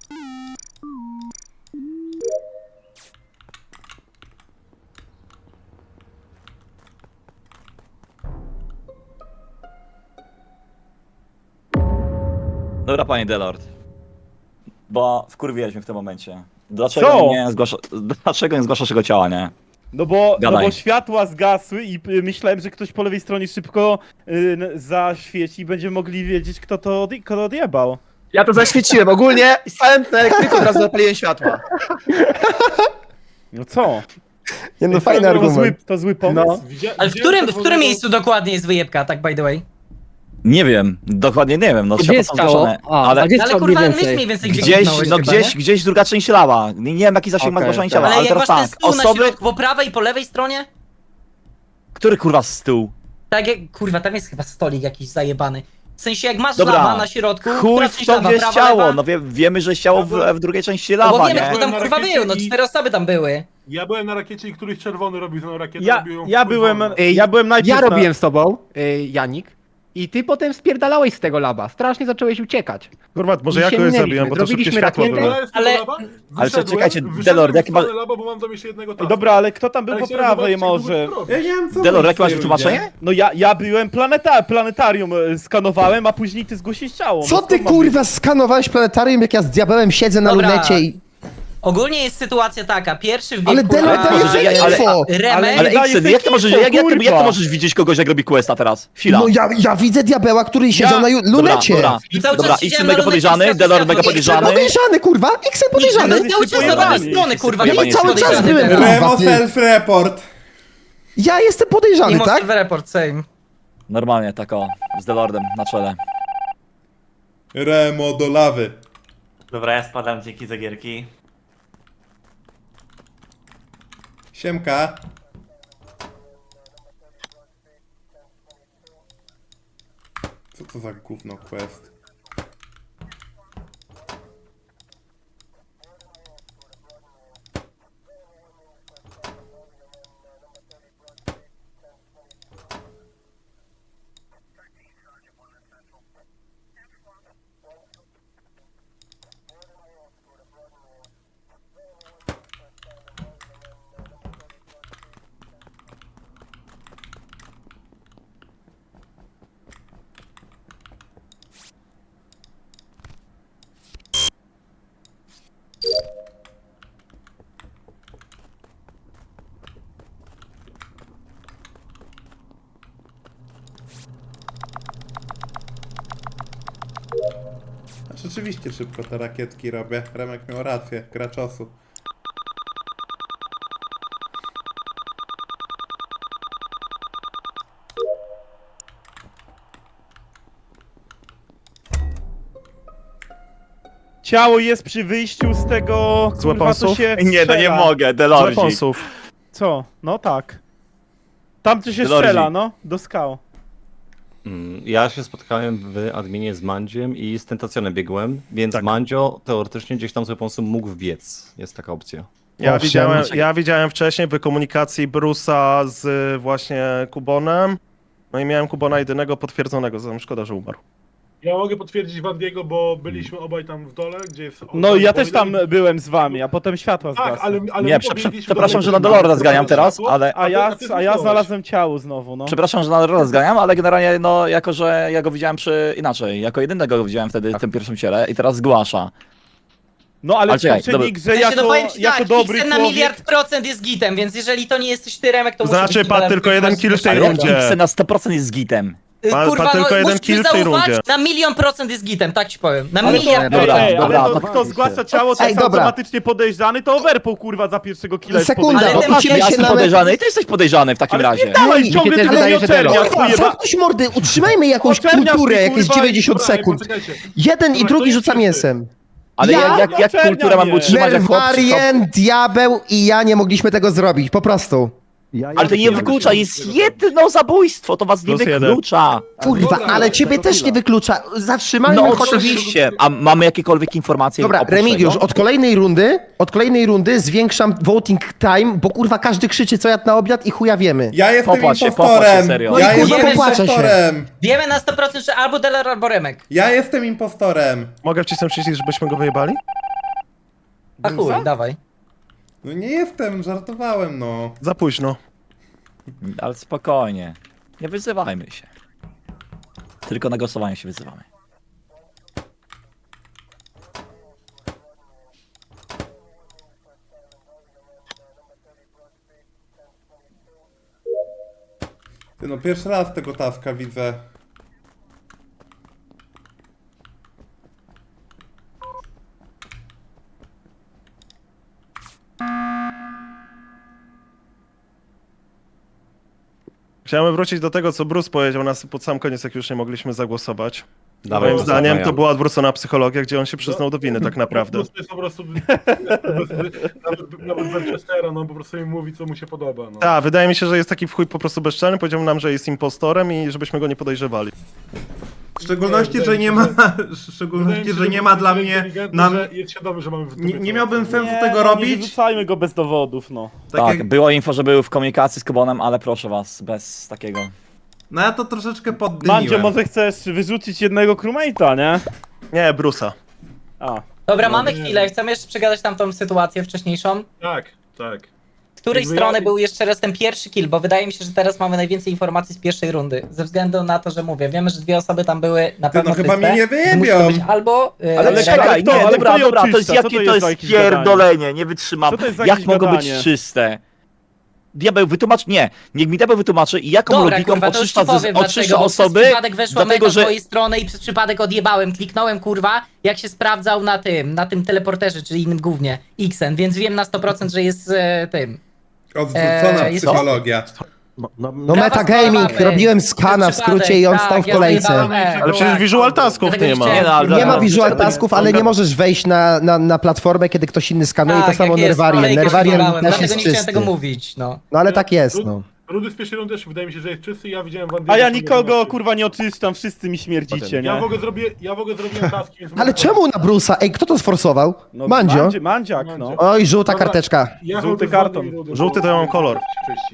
Speaker 4: Dobra, panie Delord. Bo wkurwiłeś mnie w tym momencie. Dlaczego
Speaker 5: Co?
Speaker 4: nie zgłasza, dlaczego nie zgłaszasz tego ciała, nie?
Speaker 5: No bo, no
Speaker 4: Gadaj.
Speaker 5: bo światła zgasły i y, myślałem, że ktoś po lewej stronie szybko y, n- zaświeci i będziemy mogli wiedzieć, kto to, odje- kto odjebał.
Speaker 11: Ja to zaświeciłem. Ogólnie stałem na elektryku, od razu zapaliłem światła.
Speaker 5: No co?
Speaker 2: Nie no,
Speaker 5: To-
Speaker 2: fajny
Speaker 5: to, zły,
Speaker 2: argument.
Speaker 5: to zły pomysł.
Speaker 3: No.
Speaker 9: Widzia-
Speaker 10: Ale w
Speaker 9: widziałem
Speaker 10: którym, w
Speaker 9: czerwonego-
Speaker 10: którym miejscu dokładnie jest wyjebka, tak by the way?
Speaker 4: Nie wiem, dokładnie nie wiem, no
Speaker 12: Gdzie
Speaker 4: światła
Speaker 12: jest
Speaker 4: są
Speaker 12: ciało?
Speaker 4: zgaszone.
Speaker 12: A,
Speaker 4: Ale
Speaker 12: a gdzie
Speaker 10: No
Speaker 12: jest
Speaker 10: ale
Speaker 12: ciało mniej
Speaker 10: kurwa, myśl
Speaker 12: więcej?
Speaker 10: mniej więcej gdzie
Speaker 4: gdzieś,
Speaker 10: kliknąłeś
Speaker 4: no
Speaker 10: chyba,
Speaker 4: gdzieś,
Speaker 10: nie?
Speaker 4: gdzieś druga część lała. Nie, nie wiem jaki zasięg ma
Speaker 3: Okej,
Speaker 4: zgłaszania
Speaker 3: tak.
Speaker 4: ciała,
Speaker 10: Ale
Speaker 4: ale
Speaker 10: jak
Speaker 4: teraz
Speaker 10: masz ten
Speaker 4: tak,
Speaker 10: stół na
Speaker 4: osoby...
Speaker 10: środku, po prawej i po lewej stronie?
Speaker 4: Który kurwa stół?
Speaker 10: Tak jak, kurwa, tam jest chyba stolik jakiś zajebany. W sensie jak masz
Speaker 4: Dobra,
Speaker 10: lawa na środku,
Speaker 4: Chuj
Speaker 10: która
Speaker 4: w
Speaker 10: część
Speaker 4: to,
Speaker 10: lawa,
Speaker 4: gdzie jest
Speaker 10: prawa,
Speaker 4: ciało,
Speaker 10: lewa?
Speaker 4: no wie, wiemy, że jest ciało w, w drugiej części
Speaker 10: No bo
Speaker 4: lawa,
Speaker 10: wiemy,
Speaker 4: nie?
Speaker 10: kto tam
Speaker 9: Na
Speaker 10: kurwa
Speaker 9: rakiecie
Speaker 10: był, no
Speaker 9: i-
Speaker 10: cztery osoby tam były.
Speaker 9: Ja byłem na rakiecie i któryś czerwony robił tą rakietę.
Speaker 5: Ja,
Speaker 9: robił ją
Speaker 5: ja
Speaker 9: w
Speaker 5: byłem,
Speaker 9: czerwono.
Speaker 3: Ej,
Speaker 5: ja byłem najpierw
Speaker 3: Ja
Speaker 5: na...
Speaker 3: robiłem z tobą, y, Janik, i ty potem spierdalałeś z tego laba. Strasznie zacząłeś uciekać.
Speaker 6: Kurwa, może
Speaker 3: I
Speaker 6: ja
Speaker 3: się
Speaker 6: kogoś
Speaker 3: minęliśmy.
Speaker 6: zabiłem, bo to szybkie
Speaker 3: Zrobiliśmy
Speaker 6: światła
Speaker 3: rakietę.
Speaker 6: były.
Speaker 9: Ja jestem
Speaker 10: Ale-
Speaker 9: do laba,
Speaker 4: Ale
Speaker 9: wyszedłem,
Speaker 4: czekajcie,
Speaker 9: wyszedłem
Speaker 4: Delord,
Speaker 9: w
Speaker 4: jaki ma-
Speaker 9: stronę laba, bo mam tam jeszcze jednego
Speaker 5: Ej,
Speaker 9: taska.
Speaker 5: dobra, ale kto tam był
Speaker 9: Ale
Speaker 5: po
Speaker 9: chciałem
Speaker 5: prawej
Speaker 9: zobaczyć, jak
Speaker 5: może?
Speaker 9: długo to
Speaker 1: Ja
Speaker 9: robi.
Speaker 1: nie wiem co
Speaker 4: Delord,
Speaker 1: wy
Speaker 4: jakie masz
Speaker 1: tutaj
Speaker 4: wytłumaczenie?
Speaker 1: ludzie.
Speaker 5: No ja, ja byłem planeta, planetarium e, skanowałem, a później ty zgłosiłeś ciało.
Speaker 2: Co
Speaker 5: No
Speaker 2: ty
Speaker 5: skąd mam
Speaker 2: kurwa skanowałeś planetarium, jak ja z diabełem siedzę na
Speaker 10: Dobra.
Speaker 2: lunecie i...
Speaker 10: Ogólnie jest sytuacja taka, pierwszy wbiegł
Speaker 2: Ale
Speaker 10: kurwa,
Speaker 2: Delord daje
Speaker 4: może, że ja-
Speaker 2: fake
Speaker 4: ale-
Speaker 2: info!
Speaker 10: Remek,
Speaker 4: Ale
Speaker 5: daje
Speaker 4: Xen, jak ty
Speaker 5: fake
Speaker 4: możesz,
Speaker 5: info,
Speaker 4: jak, jak, ty, jak ty
Speaker 5: kurwa.
Speaker 4: możesz widzieć kogoś, jak robi questa teraz? Chwila.
Speaker 2: No ja, ja widzę diabeła, który siedział na ju- lunecie.
Speaker 4: Dobra,
Speaker 10: I cały
Speaker 4: dobra,
Speaker 10: czas
Speaker 4: Xen
Speaker 10: siedziałem
Speaker 4: mega
Speaker 10: na lunecie,
Speaker 4: podejrzany,
Speaker 10: światło,
Speaker 4: Delord
Speaker 10: światło,
Speaker 4: mega
Speaker 10: Xen
Speaker 4: podejrzany.
Speaker 2: Podejrzany, kurwa! X podejrzany!
Speaker 10: Xen cały czas z lewej strony, kurwa,
Speaker 4: Ja
Speaker 10: nie
Speaker 4: nie
Speaker 10: jest
Speaker 2: cały czas
Speaker 10: podejrzany
Speaker 2: byłem,
Speaker 10: teraz.
Speaker 2: kurwa.
Speaker 1: Remo
Speaker 2: ty.
Speaker 1: self-report.
Speaker 2: Ja jestem podejrzany,
Speaker 10: Mimo
Speaker 2: tak?
Speaker 10: server report, same.
Speaker 4: Normalnie, tak o, z Delordem na czele.
Speaker 1: Remo do lawy.
Speaker 8: Dobra, ja spadam, dzięki za gierki.
Speaker 1: Siemka. Co to za gówno quest? A rzeczywiście szybko te rakietki robię. Remek miał rację, gra czasu.
Speaker 5: Ciało jest przy wyjściu z tego...
Speaker 6: Z
Speaker 5: kurwa, co
Speaker 6: weaponsów?
Speaker 5: się
Speaker 4: Nie, no nie
Speaker 5: strzela.
Speaker 4: mogę,
Speaker 6: Z
Speaker 4: Delorzi.
Speaker 6: weaponsów.
Speaker 5: Co? No tak. Tam co się
Speaker 4: Delorzi.
Speaker 5: strzela, no, do skał.
Speaker 13: Mm, Ja się spotkałem w adminie z Mandziem i z Tentacjonem biegłem, więc
Speaker 6: Tak.
Speaker 13: Mandzio teoretycznie gdzieś tam z weaponsem mógł wbiec. Jest taka opcja.
Speaker 6: Ja
Speaker 2: Owszem.
Speaker 6: widziałem, ja widziałem wcześniej w komunikacji Brusa z właśnie Kubonem. No i miałem Kubona jedynego potwierdzonego, zatem szkoda, że umarł.
Speaker 9: Ja mogę potwierdzić Wandiego, bo byliśmy obaj tam w dole, gdzie jest...
Speaker 5: No i ja też tam byłem z wami, a potem światła
Speaker 9: Tak,
Speaker 5: zgasły.
Speaker 9: ale, ale
Speaker 4: Nie,
Speaker 9: my
Speaker 4: prze-
Speaker 9: pobiegliśmy
Speaker 4: przepraszam,
Speaker 9: do
Speaker 4: że na
Speaker 9: tego,
Speaker 4: Delorda
Speaker 9: że
Speaker 4: zganiam teraz,
Speaker 9: światło,
Speaker 4: ale...
Speaker 5: A ja,
Speaker 9: ty
Speaker 5: a ja
Speaker 9: zniknąłeś.
Speaker 5: znalazłem ciało znowu, no.
Speaker 4: Przepraszam, że na Delorda zganiam, ale generalnie, no, jako że ja go widziałem przy... inaczej, jako jedynego go widziałem wtedy w tym pierwszym ciele i teraz zgłasza.
Speaker 5: No ale
Speaker 4: Ale czekaj,
Speaker 5: poprzednik, że
Speaker 10: Ja się
Speaker 5: jako,
Speaker 10: no powiem ci
Speaker 5: jako
Speaker 10: tak,
Speaker 5: dobry
Speaker 10: Xen na
Speaker 5: człowiek...
Speaker 10: miliard procent jest gitem, więc jeżeli to nie jesteś ty, Remek, to musi
Speaker 6: Znaczy,
Speaker 10: być
Speaker 6: padł
Speaker 10: Gitem,
Speaker 6: tylko
Speaker 10: ale
Speaker 6: jeden
Speaker 10: masz
Speaker 6: kill w tej
Speaker 10: ale-
Speaker 6: rundzie.
Speaker 4: X na sto procent jest gitem.
Speaker 10: Y,
Speaker 6: Pa-
Speaker 10: Kurwa,
Speaker 6: pa tylko
Speaker 10: no
Speaker 6: jeden
Speaker 10: musisz
Speaker 6: kill
Speaker 10: mi
Speaker 6: w tej
Speaker 10: zaufać,
Speaker 6: rundzie.
Speaker 10: na milion procent jest gitem, tak ci powiem. Na
Speaker 5: Ale to,
Speaker 10: miliard
Speaker 4: Dobra,
Speaker 5: ej, ej,
Speaker 4: dobra,
Speaker 5: ale to,
Speaker 4: to
Speaker 5: kto zgłasza ciało, to
Speaker 2: Ej,
Speaker 5: jest
Speaker 2: dobra.
Speaker 5: automatycznie podejrzany, to overpool kurwa za pierwszego killa jest
Speaker 2: Sekunda,
Speaker 5: podejrzany.
Speaker 10: Ale
Speaker 2: bo
Speaker 10: ty
Speaker 2: musimy
Speaker 4: Ja
Speaker 2: się
Speaker 4: jestem
Speaker 2: nawet...
Speaker 4: podejrzany i ty jesteś podejrzany w takim
Speaker 5: Ale
Speaker 4: razie.
Speaker 5: dawaj,
Speaker 2: Ej,
Speaker 5: ciągle
Speaker 12: mi się
Speaker 5: tylko
Speaker 12: też
Speaker 5: nie
Speaker 12: wydaje, że Delord.
Speaker 5: oczerniasz,
Speaker 2: Kurwa,
Speaker 5: kurwa.
Speaker 2: zamknąć mordy, utrzymajmy jakąś
Speaker 5: Oczerniasz
Speaker 2: kulturę,
Speaker 5: ty,
Speaker 2: jakieś
Speaker 5: kurwa,
Speaker 2: dziewięćdziesiąt
Speaker 9: Dobra, ej,
Speaker 2: sekund.
Speaker 9: poczekajcie.
Speaker 2: Jeden i
Speaker 9: Dobra,
Speaker 2: drugi
Speaker 9: to
Speaker 2: rzuca
Speaker 9: jest
Speaker 2: mięsem.
Speaker 4: Ale
Speaker 2: Ja?
Speaker 4: jak, jak, jak
Speaker 5: Oczernia
Speaker 4: kulturę mam
Speaker 5: mnie.
Speaker 4: utrzymać, jak chłop przy-
Speaker 2: Nerwarien, diabeł i ja nie mogliśmy tego zrobić, po prostu.
Speaker 7: Ja,
Speaker 4: Ale to nie wyklucza, jest jedno zabójstwo, to was nie
Speaker 6: Plus jeden.
Speaker 4: wyklucza.
Speaker 2: Kurwa,
Speaker 9: Dobra,
Speaker 2: ale
Speaker 9: tego
Speaker 2: ciebie też
Speaker 7: killa.
Speaker 2: nie wyklucza. Zatrzymajmy
Speaker 4: No
Speaker 2: chociaż...
Speaker 4: oczywiście, a mamy jakiekolwiek informacje
Speaker 2: Dobra,
Speaker 4: oprócz
Speaker 2: Remigiusz,
Speaker 4: tego?
Speaker 2: od kolejnej rundy, od kolejnej rundy zwiększam voting time, bo kurwa każdy krzyczy co jadł na obiad i chuja wiemy.
Speaker 1: Ja jestem
Speaker 4: Popłacz się,
Speaker 1: impostorem!
Speaker 4: popłacz się, serio.
Speaker 2: No i
Speaker 1: ja
Speaker 2: kurwa,
Speaker 1: jestem
Speaker 2: popłaczę się.
Speaker 1: impostorem!
Speaker 10: Wiemy na sto procent, że albo Delor, albo Remek.
Speaker 1: Ja jestem impostorem!
Speaker 6: Mogę wcisnąć przycisk, żebyśmy go wyjebali?
Speaker 10: A chuj, dawaj.
Speaker 1: No nie jestem, żartowałem no.
Speaker 6: Za późno.
Speaker 4: Ale spokojnie, nie wyzywajmy się. Tylko na głosowanie się wyzywamy.
Speaker 1: Ty no pierwszy raz tego taska widzę.
Speaker 6: Chciałem wrócić do tego, co Bruce powiedział nas pod sam koniec, jak już nie mogliśmy zagłosować.
Speaker 13: Dawaj,
Speaker 6: Moim
Speaker 13: Bruce,
Speaker 6: zdaniem
Speaker 13: dawaj.
Speaker 6: to była odwrócona psychologia, gdzie on się przyznał do winy tak naprawdę.
Speaker 9: To jest po prostu... nawet, nawet bez Chestera, no po prostu mi mówi, co mu się podoba, no.
Speaker 6: Tak, wydaje mi się, że jest taki w chuj po prostu bezczelny, powiedział nam, że jest impostorem i żebyśmy go nie podejrzewali.
Speaker 1: W szczególności,
Speaker 9: Nie,
Speaker 1: że nie ma,
Speaker 9: wydaje mi
Speaker 1: w
Speaker 9: się,
Speaker 1: szczególności, że
Speaker 9: że
Speaker 1: nie ma dla
Speaker 9: jest
Speaker 1: mnie,
Speaker 9: inteligentny,
Speaker 1: nam,
Speaker 9: że jest świadomy, że mamy w dupie
Speaker 1: nie, nie
Speaker 9: co-
Speaker 1: miałbym
Speaker 9: co-
Speaker 1: sensu
Speaker 5: Nie,
Speaker 1: tego
Speaker 5: no, Nie
Speaker 1: robić.
Speaker 5: wyrzucajmy go bez dowodów, no.
Speaker 1: Tak,
Speaker 4: Tak,
Speaker 1: jak,
Speaker 4: było info, że był w komunikacji z Kubonem, ale proszę was, bez takiego.
Speaker 1: no ja to troszeczkę
Speaker 5: Mandzio,
Speaker 1: poddymiłem.
Speaker 5: może chcesz wyrzucić jednego crewmate'a, nie?
Speaker 6: Nie, Bruce'a.
Speaker 5: A.
Speaker 10: Dobra,
Speaker 9: No
Speaker 10: mamy
Speaker 9: nie.
Speaker 10: chwilę, chcemy jeszcze przegadać tamtą sytuację wcześniejszą.
Speaker 9: Tak, tak.
Speaker 10: Z której
Speaker 9: Jakby
Speaker 10: strony
Speaker 9: ja-
Speaker 10: był jeszcze raz ten pierwszy kill, bo wydaje mi się, że teraz mamy najwięcej informacji z pierwszej rundy. Ze względu na to, że mówię, wiemy, że dwie osoby tam były na
Speaker 1: Ty,
Speaker 10: pewno
Speaker 1: no chyba
Speaker 10: czyste,
Speaker 1: mnie nie
Speaker 10: więc musi
Speaker 1: wyjebią.
Speaker 10: to być albo... yy,
Speaker 4: Ale
Speaker 5: Ale
Speaker 4: czekaj,
Speaker 5: kto-
Speaker 4: nie,
Speaker 5: ale
Speaker 4: dobra,
Speaker 5: kto je
Speaker 4: dobra, to jest
Speaker 5: oczyszcza? Co
Speaker 4: jakie
Speaker 5: to
Speaker 4: to
Speaker 5: jest za
Speaker 4: jest
Speaker 5: jakieś gadanie?
Speaker 4: pierdolenie, nie wytrzymam.
Speaker 5: Co to jest za
Speaker 4: Jak
Speaker 5: jakieś
Speaker 4: mogą być
Speaker 5: gadanie?
Speaker 4: czyste? Diabeł, wytłumacz, nie, niech mi diabeł wytłumaczy, jaką
Speaker 10: Dobra,
Speaker 4: logiką
Speaker 10: kurwa, to już ci
Speaker 4: oczyszcza,
Speaker 10: powiem
Speaker 4: z, oczyszcza
Speaker 10: dlaczego, bo przez
Speaker 4: osoby,
Speaker 10: przypadek weszła
Speaker 4: dlatego
Speaker 10: mega z
Speaker 4: że...
Speaker 10: twojej strony i przez przypadek odjebałem, kliknąłem kurwa, jak się sprawdzał na tym, na tym teleporterze, czyli innym głównie, Xen, więc wiem na sto procent, że jest e, tym.
Speaker 1: Odwrócona
Speaker 10: Eee, jest-
Speaker 1: psychologia.
Speaker 7: No, no,
Speaker 2: No
Speaker 10: Prawa
Speaker 2: metagaming,
Speaker 10: sprawa,
Speaker 2: robiłem skana w
Speaker 10: Przypadek,
Speaker 2: skrócie i on
Speaker 10: tak,
Speaker 2: stał w
Speaker 10: ja
Speaker 2: kolejce.
Speaker 10: zjebałem E.
Speaker 6: Ale przecież visual tasków
Speaker 10: Dlatego
Speaker 6: nie ma.
Speaker 10: chciałem-
Speaker 4: Nie, no, ale-
Speaker 2: Nie ma
Speaker 4: ale-
Speaker 2: visual
Speaker 4: ale-
Speaker 2: tasków, ale nie możesz wejść na, na, na platformę, kiedy ktoś inny skanuje,
Speaker 10: Tak,
Speaker 2: to samo
Speaker 10: jak jest,
Speaker 2: Nerwarien.
Speaker 10: kolejkę
Speaker 2: Nerwarien
Speaker 10: zjebałem,
Speaker 2: też
Speaker 10: dlatego
Speaker 2: jest
Speaker 10: nie chciałem
Speaker 2: czysty.
Speaker 10: tego mówić, no.
Speaker 2: No ale tak jest, no.
Speaker 9: Rudy z pierwszej rundy też wydaje mi się, że jest czysty, ja widziałem Wandiego.
Speaker 5: A ja nikogo kurwa nie oczyszczam, wszyscy mi śmierdzicie,
Speaker 9: Ja
Speaker 5: nie?
Speaker 9: w ogóle zrobię, ja w ogóle zrobiłem taski, więc...
Speaker 2: Ale czemu na Bruce'a? Ej, kto to sforsował?
Speaker 5: No,
Speaker 2: Mandzio?
Speaker 5: Mandzi- Mandziak, no.
Speaker 2: Oj, żółta
Speaker 9: Dobra.
Speaker 2: karteczka.
Speaker 9: Ja
Speaker 5: Żółty
Speaker 9: chodzę z
Speaker 5: karton.
Speaker 9: Wandią i Rudy,
Speaker 6: Żółty to ja mam kolor.
Speaker 9: Czyści.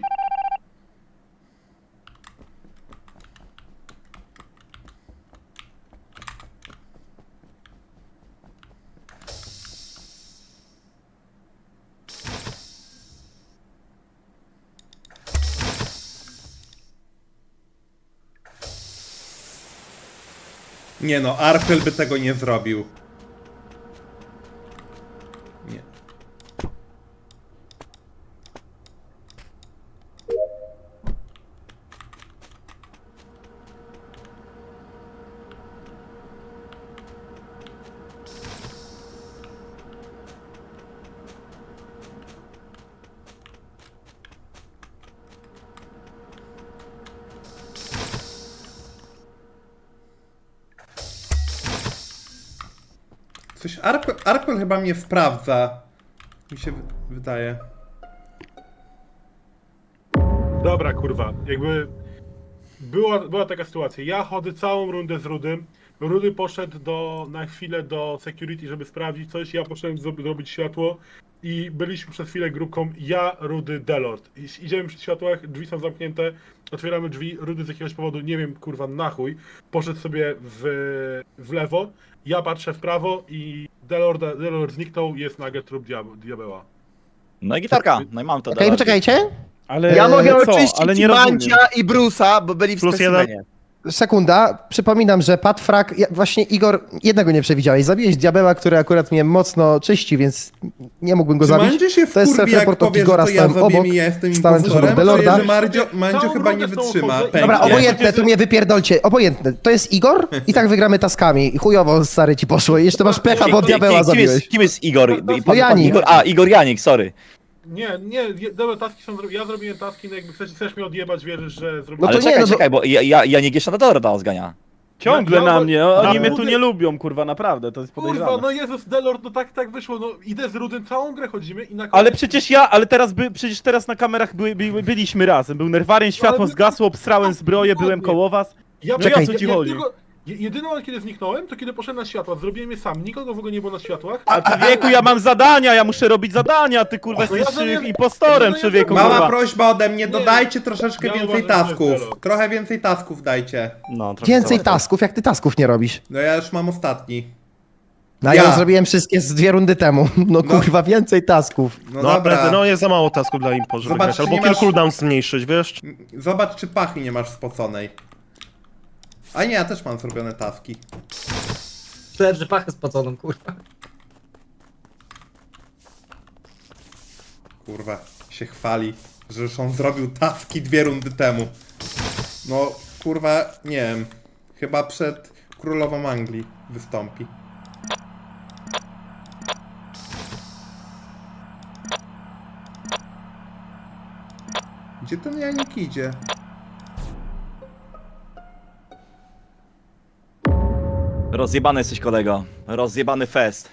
Speaker 1: Nie no, Arkel by tego nie zrobił. Nie. Coś Arkwell, Arkwell chyba mnie sprawdza. Mi się wy- wydaje.
Speaker 9: Dobra, kurwa, jakby była, była taka sytuacja. Ja chodzę całą rundę z Rudym. Rudy poszedł do, na chwilę do security, żeby sprawdzić coś. Ja poszedłem zro- zrobić światło i byliśmy przez chwilę grupką ja, Rudy, Delord. I idziemy przy światłach, drzwi są zamknięte, otwieramy drzwi, Rudy z jakiegoś powodu, nie wiem, kurwa, na chuj, poszedł sobie w, w lewo, ja patrzę w prawo i Delord, Delord zniknął, jest nagle trup diab- diabeła.
Speaker 4: No i gitarka, no i mam to.
Speaker 2: Okej,
Speaker 4: dalej.
Speaker 2: poczekajcie.
Speaker 5: Ale
Speaker 11: Ja mogę
Speaker 5: co?
Speaker 11: oczyścić
Speaker 5: Ale nie rozumiem.
Speaker 11: Mandzia i Bruce'a, bo byli w
Speaker 6: Plus
Speaker 11: specimenie.
Speaker 2: Sekunda, przypominam, że Patfrak, ja, właśnie Igor, jednego nie przewidziałeś. Zabiłeś diabeła, który akurat mnie mocno czyści, więc nie mógłbym go
Speaker 1: Czy
Speaker 2: zabić.
Speaker 1: Mandzio się
Speaker 2: To jest
Speaker 1: wkurwi, jak
Speaker 2: self-report od
Speaker 1: powie, że
Speaker 2: Igora,
Speaker 1: to ja
Speaker 2: stałem
Speaker 1: zabiję
Speaker 2: obok,
Speaker 1: i ja jestem
Speaker 2: stałem
Speaker 1: impostorem?
Speaker 2: obok Delorda.
Speaker 1: Czuję, że Mandzio, Mandzio
Speaker 9: Całą
Speaker 1: chyba
Speaker 9: rundę
Speaker 1: nie
Speaker 9: z tą
Speaker 1: wytrzyma.
Speaker 9: chodzę i-
Speaker 2: Dobra,
Speaker 1: pęknie.
Speaker 2: obojętne, to mnie wypierdolcie. Obojętne. To jest Igor i tak wygramy taskami. Chujowo, stary, ci poszło. I jeszcze masz pecha, bo
Speaker 4: Kim-
Speaker 2: diabeła
Speaker 4: kim, kim, jest,
Speaker 2: zabiłeś.
Speaker 4: kim jest Igor?
Speaker 9: No
Speaker 2: Janik.
Speaker 4: Igor? A, Igor Janik, sorry.
Speaker 9: Nie, nie, je- dobra, taski są zrobione. Ja zrobiłem taski, no jakby chcesz, chcesz mnie odjebać, wierzysz, że
Speaker 2: No
Speaker 9: zrobiłem.
Speaker 4: Ale
Speaker 2: to nie,
Speaker 4: czekaj,
Speaker 2: no to-
Speaker 4: czekaj, bo ja, ja, Janik jeszcze na Dorda zgania.
Speaker 5: Ciągle
Speaker 9: Ja- ja-
Speaker 5: na mnie, oni
Speaker 9: ja-
Speaker 5: mnie tu nie lubią, kurwa, naprawdę, to jest podejrzane.
Speaker 9: Kurwa, no Jezus, Delord, no tak, tak wyszło, no idę z Rudym, całą grę chodzimy i na
Speaker 5: Ale przecież ja, ale teraz by, przecież teraz na kamerach by, by, byliśmy razem. Był nerwarien, światło
Speaker 9: Ale my-
Speaker 5: zgasło, obsrałem zbroję, byłem koło was.
Speaker 9: Ja
Speaker 5: No
Speaker 2: Czekaj.
Speaker 5: o co ci
Speaker 9: ja,
Speaker 5: chodzi?
Speaker 9: tylko, je- jedyną, kiedy zniknąłem, to kiedy poszedłem na światła, zrobiłem je sam, nikogo w ogóle nie było na światłach.
Speaker 5: A człowieku, ja mam zadania, ja muszę robić zadania, ty kurwa
Speaker 9: No ja
Speaker 5: jesteś
Speaker 9: zrobię-
Speaker 5: impostorem,
Speaker 9: no ja
Speaker 5: człowieku,
Speaker 9: zrobię-
Speaker 1: Mała
Speaker 5: kurwa.
Speaker 1: prośba ode mnie,
Speaker 9: Nie,
Speaker 1: dodajcie troszeczkę
Speaker 9: ja
Speaker 1: więcej
Speaker 9: uważam, że to jest
Speaker 1: tasków.
Speaker 9: Delord.
Speaker 1: Trochę więcej tasków dajcie.
Speaker 13: No, trochę
Speaker 2: Więcej
Speaker 13: za-
Speaker 2: tasków, jak ty tasków nie robisz.
Speaker 1: No ja już mam ostatni.
Speaker 2: No ja,
Speaker 1: Ja.
Speaker 2: już zrobiłem wszystkie z dwie rundy temu. No kurwa, więcej tasków.
Speaker 1: No,
Speaker 6: No,
Speaker 1: dobra.
Speaker 6: dobra. No jest za mało tasków dla impo, żeby
Speaker 1: Zobacz,
Speaker 6: grać.
Speaker 1: czy
Speaker 6: Albo
Speaker 1: nie
Speaker 6: kill
Speaker 1: masz-
Speaker 6: cooldown zmniejszyć, wiesz?
Speaker 1: Zobacz, czy pachy nie masz spoconej. A nie, ja też mam zrobione taski.
Speaker 10: Czułem, że pachę spoconą, kurwa.
Speaker 1: Kurwa, się chwali, że już on zrobił taski dwie rundy temu. No, kurwa, nie wiem. Chyba przed królową Anglii wystąpi. Gdzie ten Janik idzie?
Speaker 4: Rozjebany jesteś, kolego. Rozjebany fest.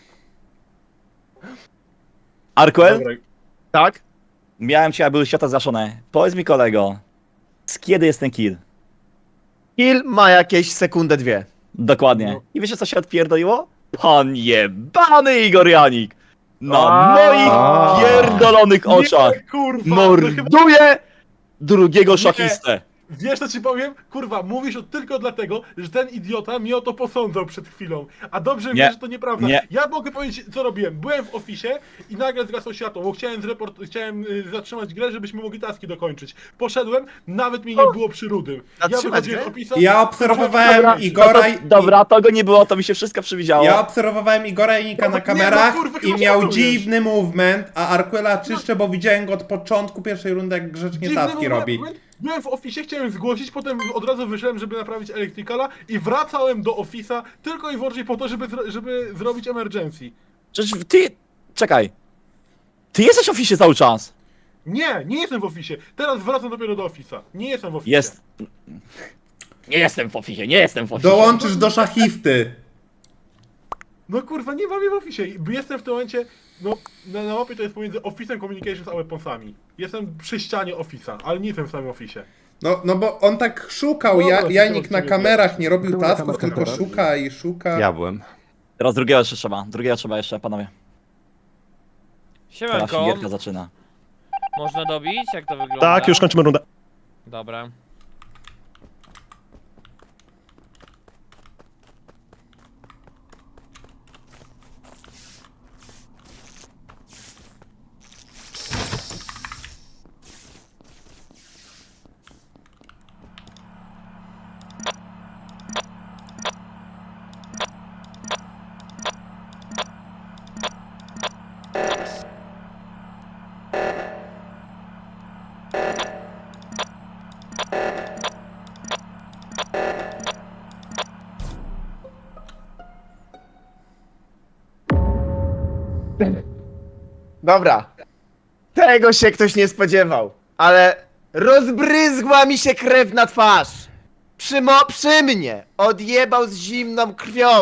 Speaker 4: Arkwell?
Speaker 9: Dobra,
Speaker 11: Tak?
Speaker 4: Miałem cię, a były świata zgaszone. Powiedz mi, kolego, z kiedy jest ten kill?
Speaker 11: Kill ma jakieś sekundę, dwie.
Speaker 4: Dokładnie.
Speaker 9: No.
Speaker 4: I wiecie, co się odpierdoliło? Pan jebany Igor Janik! Na
Speaker 11: A.
Speaker 4: moich pierdolonych oczach
Speaker 9: Nie, kurwa, no chyba...
Speaker 4: morduje drugiego szachistę.
Speaker 9: Wiesz co ci powiem? Kurwa, mówisz to tylko dlatego, że ten idiota mnie o to posądzał przed chwilą. A dobrze
Speaker 4: Nie.
Speaker 9: wiesz, że to nieprawda.
Speaker 4: Nie.
Speaker 9: Ja mogę powiedzieć, co robiłem. Byłem w ofisie i nagle zgasło światło, bo chciałem, zreport... chciałem y, zatrzymać grę, żebyśmy mogli taski dokończyć. Poszedłem, nawet mnie nie było przy Rudym. Ja
Speaker 11: Zatrzymać
Speaker 9: wychodziłem z
Speaker 11: grę?
Speaker 9: opisa...
Speaker 1: Ja obserwowałem
Speaker 4: Dobra,
Speaker 1: Igora
Speaker 4: no
Speaker 1: i...
Speaker 4: to, dobra, to go nie było, to mi się wszystko przewidziało.
Speaker 1: Ja obserwowałem Igora Janika
Speaker 9: No,
Speaker 1: na
Speaker 9: nie,
Speaker 1: kamerach
Speaker 9: no kurwa,
Speaker 1: i
Speaker 9: chyba
Speaker 1: miał
Speaker 9: żartujesz.
Speaker 1: dziwny movement, a Arquela czyszczę, bo widziałem go od początku pierwszej rundy, jak grzecznie
Speaker 9: Dziwny
Speaker 1: taski
Speaker 9: moment.
Speaker 1: robi.
Speaker 9: Byłem w ofisie, chciałem zgłosić, potem od razu wyszedłem, żeby naprawić Electricala i wracałem do ofisa tylko i wyłącznie po to, żeby, zro- żeby zrobić emergency.
Speaker 4: Przecież ty... Czekaj. Ty jesteś w oficie cały czas.
Speaker 9: Nie, nie jestem w ofisie. Teraz wracam dopiero do ofisa. Nie jestem w ofisie.
Speaker 4: Jest... Nie jestem w oficie, nie jestem w oficie.
Speaker 1: Dołączysz do szachisty.
Speaker 9: No kurwa, nie mam je w ofisie. Jestem w tym momencie, no na, na mapie to jest pomiędzy ofisem communications a weaponsami. Jestem przy ścianie ofisa, ale nie jestem w samym ofisie.
Speaker 1: No, no bo on tak szukał,
Speaker 9: Dobra,
Speaker 1: ja,
Speaker 9: to
Speaker 1: Janik
Speaker 9: to
Speaker 1: na
Speaker 9: nie
Speaker 1: kamerach nie robił
Speaker 2: Był na
Speaker 1: tasków,
Speaker 2: kamerach.
Speaker 1: tylko szuka i szuka.
Speaker 13: Ja byłem.
Speaker 4: Teraz drugiego jeszcze trzeba, drugiego trzeba jeszcze, panowie. Teraz się gierka zaczyna.
Speaker 14: Można dobić? Jak to wygląda?
Speaker 6: Tak, już kończymy rundę.
Speaker 14: Dobra.
Speaker 11: Dobra. Tego się ktoś nie spodziewał. Ale rozbryzgła mi się krew na twarz. Przy, mo- przy mnie odjebał z zimną krwią.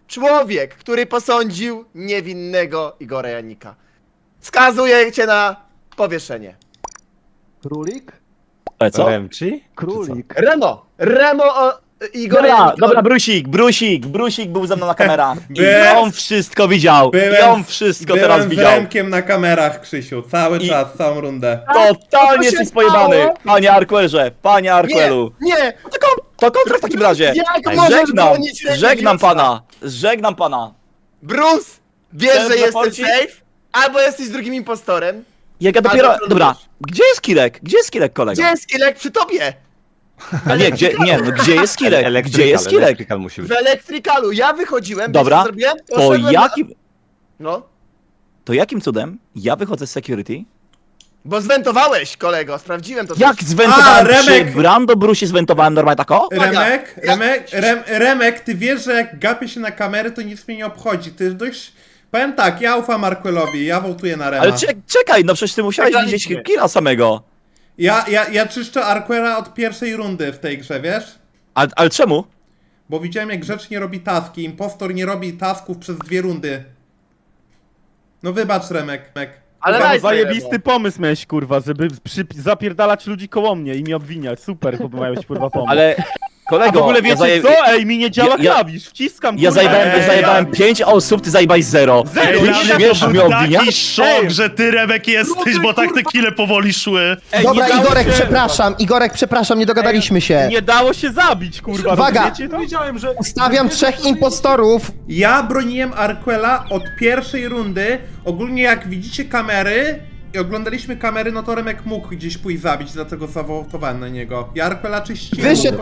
Speaker 11: człowiek, który posądził niewinnego Igora Janika. Skazuję cię na powieszenie.
Speaker 7: Królik?
Speaker 4: Ale co?
Speaker 13: Remci?
Speaker 7: Królik.
Speaker 11: Remo! Remo o Igora
Speaker 4: Dobra,
Speaker 11: Janika.
Speaker 4: dobra, Brusik, Brusik, Brusik był ze mną na kamerach. I
Speaker 1: Byłem-
Speaker 4: on wszystko widział. I
Speaker 1: byłem-
Speaker 4: on wszystko
Speaker 1: Byłem
Speaker 4: teraz
Speaker 1: z
Speaker 4: widział.
Speaker 1: Remkiem na kamerach, Krzysiu, cały
Speaker 4: I-
Speaker 1: czas, całą rundę.
Speaker 4: Totalnie
Speaker 11: się
Speaker 4: jesteś pojebany.
Speaker 11: stało?
Speaker 4: Panie Arquerze, panie
Speaker 11: Nie,
Speaker 4: Arquelu.
Speaker 11: nie!
Speaker 4: To, kon- to kontrakt w takim razie.
Speaker 11: Jak możesz
Speaker 4: Żegnam,
Speaker 11: bronić
Speaker 4: żegnam
Speaker 11: Remigiusza?
Speaker 4: pana. Żegnam pana.
Speaker 11: Bruce! Wiesz,
Speaker 4: Chcesz
Speaker 11: że jestem
Speaker 4: zaporcić?
Speaker 11: safe? Albo jesteś drugim impostorem.
Speaker 4: Jak ja dopiero...
Speaker 11: Albo
Speaker 4: Dobra,
Speaker 11: trudność.
Speaker 4: gdzie jest Kirek? Gdzie jest Kirek, kolego?
Speaker 11: Gdzie jest Kilek przy tobie?
Speaker 4: A nie, gdzie, nie, no gdzie jest Kirek? Gdzie jest Kirek?
Speaker 13: Elektrykal musi być.
Speaker 11: W elektrykalu. Ja wychodziłem,
Speaker 4: Dobra,
Speaker 11: wiesz, co zrobiłem?
Speaker 4: To
Speaker 11: Poszedłem na-
Speaker 4: jakim...
Speaker 11: No.
Speaker 4: To jakim cudem ja wychodzę z security?
Speaker 11: Bo zwentowałeś, kolego, sprawdziłem to.
Speaker 4: Jak
Speaker 11: też.
Speaker 4: zwentowałem
Speaker 1: A,
Speaker 4: przy
Speaker 1: Remek!
Speaker 4: Brando Brusie, zwentowałem normalnie tak o?
Speaker 1: Remek,
Speaker 11: Ja-
Speaker 1: Remek, Rem, Remek, ty wiesz, że jak gapię się na kamery, to nic mnie nie obchodzi. Ty dość... Powiem tak, ja ufam Marquelowi, ja wołtuję na Rema.
Speaker 4: Ale czek- czekaj, no przecież ty musiałeś
Speaker 11: Przegraliśmy.
Speaker 4: widzieć killa samego.
Speaker 1: Ja, ja, ja czyszczę Arquera od pierwszej rundy w tej grze, wiesz?
Speaker 4: Ale, ale czemu?
Speaker 1: Bo widziałem, jak grzecznie robi taski. Impostor nie robi tasków przez dwie rundy. No wybacz, Remek. Remek.
Speaker 11: Ale
Speaker 5: Kurwa,
Speaker 11: daj sobie,
Speaker 5: zajebisty
Speaker 11: Remo.
Speaker 5: pomysł miałeś, kurwa, żeby przy... zapierdalać ludzi koło mnie i mnie obwiniać. Super, chyba miałeś, kurwa, pomysł.
Speaker 4: Ale
Speaker 5: A
Speaker 4: kolego,
Speaker 5: w ogóle wiecie
Speaker 4: ja, zaje-
Speaker 5: co? Ej, mi nie działa
Speaker 4: Ja- ja-
Speaker 5: klawisz, wciskam,
Speaker 4: ja
Speaker 5: kurwa.
Speaker 4: zajebałem, ja
Speaker 5: Ej,
Speaker 4: zajebałem pięć osób, ty zajebałeś zero.
Speaker 5: Zero,
Speaker 6: Ej,
Speaker 4: Ty
Speaker 5: ja-
Speaker 4: śmiesz
Speaker 6: to
Speaker 4: mnie
Speaker 6: był taki
Speaker 4: obwiniać?
Speaker 6: szok,
Speaker 5: Ej.
Speaker 6: że ty, Remek, jesteś, bo tak te kile powoli szły.
Speaker 5: Ej,
Speaker 2: Dobra,
Speaker 5: nie dało
Speaker 2: Igorek,
Speaker 5: się-
Speaker 2: przepraszam, Igorek, przepraszam, nie dogadaliśmy się.
Speaker 5: Nie dało się zabić, kurwa,
Speaker 2: Uwaga!
Speaker 5: rozumiecie to?
Speaker 9: Wiedziałem, że...
Speaker 2: Ustawiam trzech impostorów.
Speaker 1: Ja broniłem Arquela od pierwszej rundy. Ogólnie jak widzicie kamery i oglądaliśmy kamery, no to Remek mógł gdzieś pójść zabić, dlatego zawołtowałem na niego. Ja Arquela czyściłem.
Speaker 2: Wyszedł